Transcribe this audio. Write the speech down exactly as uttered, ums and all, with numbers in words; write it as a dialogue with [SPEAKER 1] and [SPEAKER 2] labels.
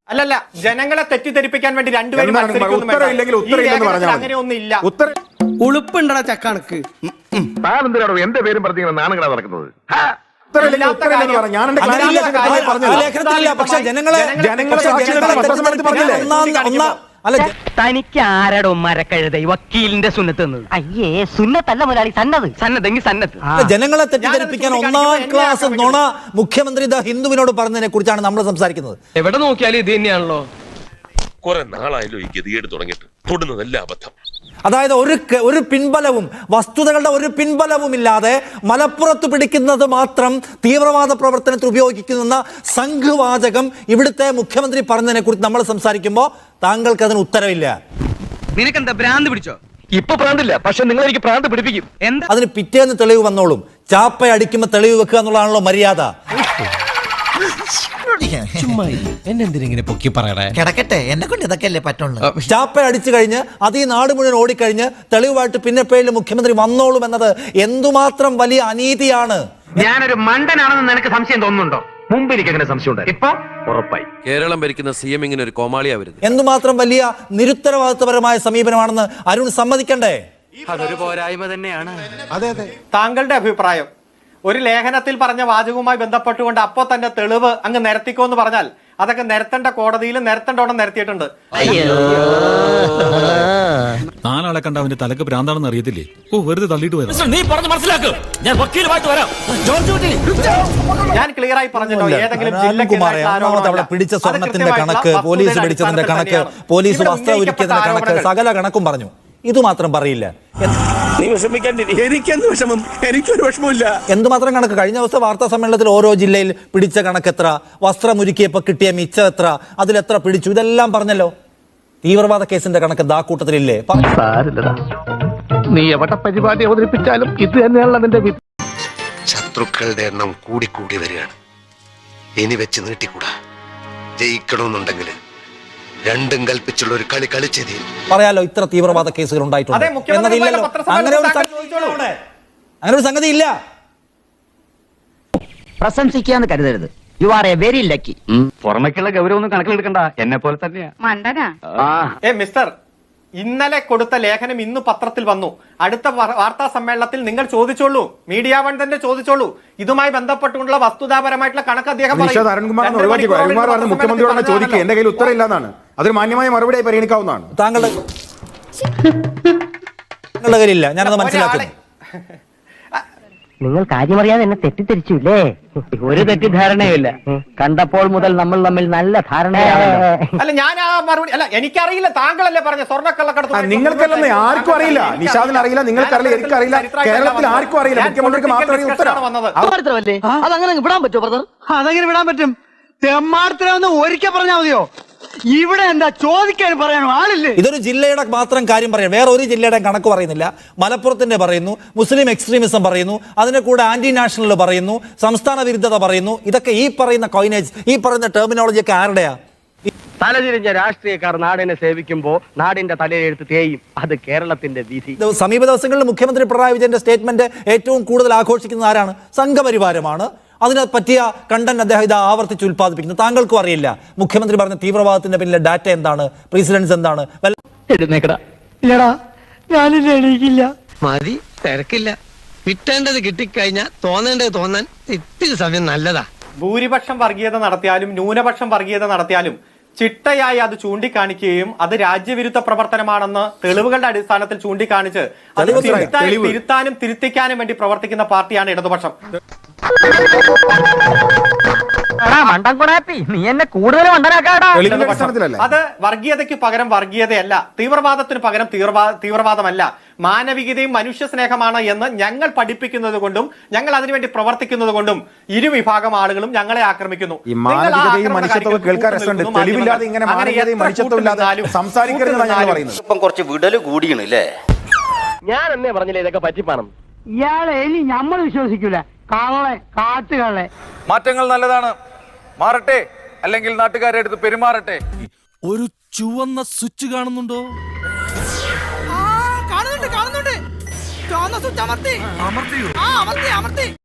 [SPEAKER 1] അല്ലല്ല, ജനങ്ങളെ തെറ്റിദ്ധരിപ്പിക്കാൻ വേണ്ടി രണ്ടുപേരും അങ്ങനെയൊന്നുമില്ല.
[SPEAKER 2] ഉളുപ്പുണ്ടടാ ചക്കണക്ക്.
[SPEAKER 3] എന്റെ പേരും പറഞ്ഞ നാണങ്ങളാ നടക്കുന്നത്.
[SPEAKER 4] പക്ഷെ ജനങ്ങളെ
[SPEAKER 5] തനിക്ക് ആരടോ മരക്കഴുത വക്കീലിന്റെ സുന്നത്ത് അയ്യേ സുന്നത്തല്ല മുതലാളി സന്നദ്ധ സന്നദ്ധെങ്കിൽ സന്നദ്ധ
[SPEAKER 4] ജനങ്ങളെ തെറ്റിദ്ധരിപ്പിക്കാൻ ഒന്നാം ക്ലാസ് നുണ മുഖ്യമന്ത്രി ഹിന്ദുവിനോട് പറഞ്ഞതിനെ കുറിച്ചാണ് നമ്മൾ സംസാരിക്കുന്നത്.
[SPEAKER 6] എവിടെ നോക്കിയാലും ഇത് തന്നെയാണല്ലോ.
[SPEAKER 3] കുറെ നാളായാലും ഈ ഗതികേട് തുടങ്ങിയിട്ട് തൊടുന്നതല്ല അബദ്ധം.
[SPEAKER 4] അതായത് ഒരു ഒരു പിൻബലവും വസ്തുതകളുടെ ഒരു പിൻബലവും ഇല്ലാതെ മലപ്പുറത്ത് പിടിക്കുന്നത് മാത്രം തീവ്രവാദ പ്രവർത്തനത്തിൽ ഉപയോഗിക്കുന്ന സംഘവാചകം ഇവിടുത്തെ മുഖ്യമന്ത്രി പറഞ്ഞതിനെ കുറിച്ച് നമ്മൾ സംസാരിക്കുമ്പോൾ താങ്കൾക്ക് അതിന് ഉത്തരവില്ല.
[SPEAKER 6] നിനക്കെന്താ ഭ്രാന്ത് പിടിച്ചോ? ഇപ്പൊ ഭ്രാന്തില്ല, പക്ഷെ നിങ്ങൾ എനിക്ക് ഭ്രാന്ത് പിടിപ്പിക്കും.
[SPEAKER 4] അതിന് പിറ്റേന്ന് തെളിവ് വന്നോളും. ചാപ്പ അടിക്കുമ്പോൾ തെളിവ് വെക്കുക എന്നുള്ളതാണല്ലോ മര്യാദ.
[SPEAKER 7] എന്നെന്തിനെ പൊക്കി പറയണേ? കിടക്കട്ടെ, എന്നെ കൊണ്ട് ഇതൊക്കെ അല്ലേ പറ്റുള്ളൂ.
[SPEAKER 4] ചാപ്പ അടിച്ചു കഴിഞ്ഞ് അത് ഈ നാട് മുഴുവൻ ഓടിക്കഴിഞ്ഞ് തെളിവായിട്ട് പിന്നെ പേരിൽ മുഖ്യമന്ത്രി വന്നോളും എന്നത് എന്തുമാത്രം വലിയ അനീതിയാണ്.
[SPEAKER 5] ഞാനൊരു മണ്ടനാണെന്ന് നിനക്ക് സംശയം തോന്നുന്നുണ്ടോ? മുമ്പ് എനിക്ക് അങ്ങനെ സംശയം ഇപ്പൊ ഉറപ്പായി.
[SPEAKER 6] കേരളം ഭരിക്കുന്ന സി എം ഇങ്ങനെ ഒരു കോമാളിയാവരുത്.
[SPEAKER 4] എന്തുമാത്രം വലിയ നിരുത്തരവാദിത്വപരമായ സമീപനമാണെന്ന് അരുൺ സമ്മതിക്കണ്ടേ?
[SPEAKER 6] അതൊരു പോരായ്മ തന്നെയാണ്.
[SPEAKER 1] അതെ അതെ. താങ്കളുടെ അഭിപ്രായം ഒരു ലേഖനത്തിൽ പറഞ്ഞ വാചകവുമായി ബന്ധപ്പെട്ടുകൊണ്ട് അപ്പോ തന്നെ തെളിവ് അങ്ങ് നിരത്തിക്കോ എന്ന് പറഞ്ഞാൽ അതൊക്കെ നിരത്തേണ്ട കോടതിയിൽ നിരത്തേണ്ടോണം നിരത്തിയിട്ടുണ്ട്.
[SPEAKER 8] നാലാളെ കണ്ട അവന്റെ തലക്ക് ഭ്രാന്താണെന്ന് അറിയത്തില്ലേ? ഓ, വെറുതെ തള്ളിയിട്ട് വരാം. നീ പറഞ്ഞ് മനസ്സിലാക്കും. ഞാൻ വക്കീലുമായിട്ട് വരാം.
[SPEAKER 1] ഞാൻ ക്ലിയർ ആയി പറഞ്ഞല്ലോ. ഏതെങ്കിലും
[SPEAKER 4] അവിടെ പിടിച്ച സ്വർണത്തിന്റെ കണക്ക്, പോലീസ് പിടിച്ചതിന്റെ കണക്ക്, പോലീസ് വസ്ത്രം ഒരുക്കിയതിന്റെ കണക്ക്, സകല കണക്കും പറഞ്ഞു. ഇത് മാത്രം പറയില്ല. എന്തുമാത്രം കണക്ക്? കഴിഞ്ഞ ദിവസം വാർത്താ സമ്മേളനത്തിൽ ഓരോ ജില്ലയിൽ പിടിച്ച കണക്ക് എത്ര, വസ്ത്രം ഒരുക്കിയപ്പോ കിട്ടിയ മിച്ചം എത്ര, അതിലെത്ര പിടിച്ചു, ഇതെല്ലാം പറഞ്ഞല്ലോ. തീവ്രവാദ കേസിന്റെ കണക്ക് ദാ കൂട്ടത്തിലില്ലേ?
[SPEAKER 3] നീ എവിടെ പരിപാടി അവതരിപ്പിച്ചാലും ഇത് തന്നെയാണ് അതിന്റെ. ശത്രുക്കളുടെ എണ്ണം കൂടിക്കൂടി വരികയാണ്. ഇനി വെച്ച് നീട്ടിക്കൂടാ. ജയിക്കണമെന്നുണ്ടെങ്കിൽ രണ്ടും കൽപ്പിച്ചുള്ള ഒരു കളി കളിച്ചത്
[SPEAKER 4] പറയാലോ. ഇത്ര തീവ്രവാദ കേസുകൾ ഉണ്ടായിട്ടുണ്ട് എന്നതില്ലല്ലോ. അങ്ങനെ ഒരു അങ്ങനെ ഒരു സംഗതി ഇല്ല.
[SPEAKER 5] പ്രശംസിക്കാന്ന് കരുതരുത്. You are a very lucky. പുറമേക്കുള്ള ഗൗരവൊന്നും കണക്കിലെടുക്കണ്ട, എന്നെ പോലെ തന്നെയാ.
[SPEAKER 1] മിസ്റ്റർ, ഇന്നലെ കൊടുത്ത ലേഖനം ഇന്ന് പത്രത്തിൽ വന്നു. അടുത്ത വാർത്താ സമ്മേളനത്തിൽ നിങ്ങൾ ചോദിച്ചോളൂ, മീഡിയ വൺ തന്നെ ചോദിച്ചോളൂ. ഇതുമായി ബന്ധപ്പെട്ടുള്ള വസ്തുതാപരമായിട്ടുള്ള കണക്ക് അദ്ദേഹം
[SPEAKER 9] മുഖ്യമന്ത്രിയോട് ചോദിക്കുക. എന്റെ കയ്യിൽ ഉത്തരം ഇല്ലാന്നാണ്. അതൊരു മാന്യമായ മറുപടിയായി പരിഗണിക്കാവുന്നതാണ്.
[SPEAKER 4] താങ്കളുടെ താങ്കളുടെ കയ്യിലില്ല, ഞാനത് മനസ്സിലാക്കുന്നു.
[SPEAKER 5] നിങ്ങൾ കാര്യമറിയാതെ എന്നെ തെറ്റിദ്ധരിച്ചില്ലേ? ഒരു തെറ്റിദ്ധാരണയുമില്ല. കണ്ടപ്പോൾ മുതൽ നമ്മൾ തമ്മിൽ നല്ല ധാരണയാണ്.
[SPEAKER 1] അല്ല, ഞാൻ ആ മറുപടി അല്ല, എനിക്കറിയില്ല. താങ്കളല്ലേ പറഞ്ഞ സ്വർണ്ണക്കള്ളക്കടത്ത്?
[SPEAKER 9] നിങ്ങൾക്കല്ലെന്ന് ആർക്കും അറിയില്ല. നിഷാദിന് അറിയില്ല, നിങ്ങൾക്കറിയില്ല, എനിക്കറിയില്ല, കേരളത്തിൽ ആർക്കും അറിയില്ല. മുഖ്യമന്ത്രിക്ക് മാത്രമേ ഉത്തരം വന്നത്.
[SPEAKER 5] അതങ്ങനെ വിടാൻ പറ്റുമോ ബ്രദർ?
[SPEAKER 2] അതെങ്ങനെ വിടാൻ പറ്റും? തെമ്മാടത്തിലൊന്ന് ഒരിക്കൽ പറഞ്ഞാൽ മതിയോ? ഇവിടെ എന്താ ചോദിക്കാൻ പറയാനോ ആളില്ലേ?
[SPEAKER 4] ഇതൊരു ജില്ലയുടെ മാത്രം കാര്യം പറയാം, വേറെ ഒരു ജില്ലയുടെ കണക്ക് പറയുന്നില്ല. മലപ്പുറത്തിന്റെ പറയുന്നു, മുസ്ലിം എക്സ്ട്രീമിസം പറയുന്നു, അതിന്റെ കൂടെ ആന്റി നാഷണൽ പറയുന്നു, സംസ്ഥാന വിരുദ്ധത പറയുന്നു. ഇതൊക്കെ ഈ പറയുന്ന കോയിനേജ്, ഈ പറയുന്ന ടെർമിനോളജി ഒക്കെ ആരുടെയാ?
[SPEAKER 5] തലതിരിഞ്ഞ രാഷ്ട്രീയക്കാർ നാടിനെ സേവിക്കുമ്പോ നാടിന്റെ തലയെഴുത്ത് തേയും. അത് കേരളത്തിന്റെ വിധി.
[SPEAKER 4] സമീപ ദിവസങ്ങളിൽ മുഖ്യമന്ത്രി പിണറായി വിജയന്റെ സ്റ്റേറ്റ്മെന്റ് ഏറ്റവും കൂടുതൽ ആഘോഷിക്കുന്നത് ആരാണ്? സംഘപരിവാരമാണ്. അതിനെ പറ്റിയ കണ്ടന്റ് അദ്ദേഹം ഇത് ആവർത്തിച്ച് ഉത്പാദിപ്പിക്കുന്നു. താങ്കൾക്കും അറിയില്ല മുഖ്യമന്ത്രി പറഞ്ഞ തീവ്രവാദത്തിന്റെ പിന്നിലെ ഡാറ്റ എന്താണ്, പ്രീസിഡൻസ് എന്താണ്?
[SPEAKER 7] മതി, തിരക്കില്ല. കിട്ടേണ്ടത് കിട്ടിക്കഴിഞ്ഞാൽ തോന്നേണ്ടത് തോന്നാൻ ഇത്തിരി സമയം നല്ലതാ.
[SPEAKER 1] ഭൂരിപക്ഷം വർഗീയത നടത്തിയാലും ന്യൂനപക്ഷം വർഗീയത നടത്തിയാലും ചിട്ടയായി അത് ചൂണ്ടിക്കാണിക്കുകയും അത് രാജ്യവിരുദ്ധ പ്രവർത്തനമാണെന്ന് തെളിവുകളുടെ അടിസ്ഥാനത്തിൽ ചൂണ്ടിക്കാണിച്ച് അത് തിരുത്താനും തിരുത്തിക്കാനും വേണ്ടി പ്രവർത്തിക്കുന്ന പാർട്ടിയാണ് ഇടതുപക്ഷം.
[SPEAKER 5] നീ എന്നെ കൂടുതൽ
[SPEAKER 1] അത് വർഗീയതയ്ക്ക് പകരം വർഗീയതയല്ല, തീവ്രവാദത്തിന് പകരം തീവ്രവാദമല്ല, മാനവികതയും മനുഷ്യ സ്നേഹമാണ് എന്ന് ഞങ്ങൾ പഠിപ്പിക്കുന്നത് കൊണ്ടും ഞങ്ങൾ അതിനുവേണ്ടി പ്രവർത്തിക്കുന്നത് കൊണ്ടും ഇരുവിഭാഗം ആളുകളും ഞങ്ങളെ ആക്രമിക്കുന്നു.
[SPEAKER 10] ഇപ്പം കുറച്ച് വിടല് കൂടിയണല്ലേ?
[SPEAKER 5] ഞാൻ എന്നേ പറഞ്ഞില്ലേ ഇതൊക്കെ പറ്റിപ്പാണം.
[SPEAKER 2] ഇയാളെ ഇനി നമ്മൾ വിശ്വസിക്കൂല. കള്ളെ കാട്ടുകളെ.
[SPEAKER 11] മാറ്റങ്ങൾ നല്ലതാണ്, മാറട്ടെ, അല്ലെങ്കിൽ നാട്ടുകാരെ അടുത്ത് പെരുമാറട്ടെ.
[SPEAKER 8] ഒരു ചുവന്ന സ്വിച്ച് കാണുന്നുണ്ടോ?
[SPEAKER 2] കാണുന്നുണ്ട് കാണുന്നുണ്ട്. ചുവന്ന സ്വിച്ച് അമർത്തി. അമർത്തിയോ? ആ, അമർത്തി അമർത്തി.